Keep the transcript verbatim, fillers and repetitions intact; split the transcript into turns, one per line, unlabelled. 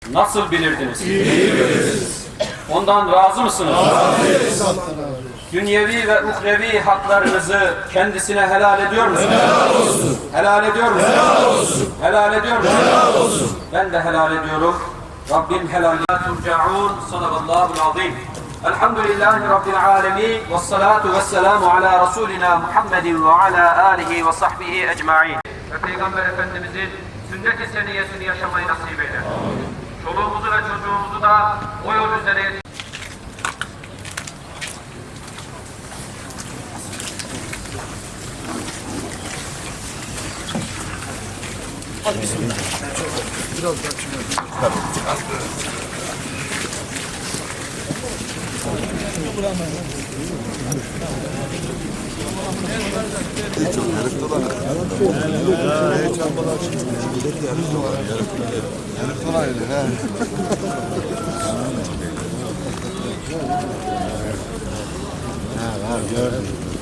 nasıl bilirdiniz? İyi biliriz. Ondan razı mısınız? Razıyız. Dünyevi ve uhrevi haklarınızı kendisine helal ediyor musunuz? Helal olsun. Helal ediyor musunuz? Helal olsun. Helal ediyor musunuz? Helal olsun. Ben de helal ediyorum. Rabbim helal turcaun. Sadakallahul azim. Elhamdülillahi Rabbil alemin. Ve salatu ve selamu ala Resulina Muhammedin ve ala alihi ve sahbihi ecma'in. Ve Peygamber Efendimizin sünnet-i seniyesini yaşamayı nasip eyle. Çoluğumuzu ve çocuğumuzu da o yol üzere yetiştirelim.
Hadi bismillah. Biraz daha hiç çok yarıklı var. Hiç yapmadan çıkıyor. Yarıklı var. Yarıklı var öyle. Ha var gördüm.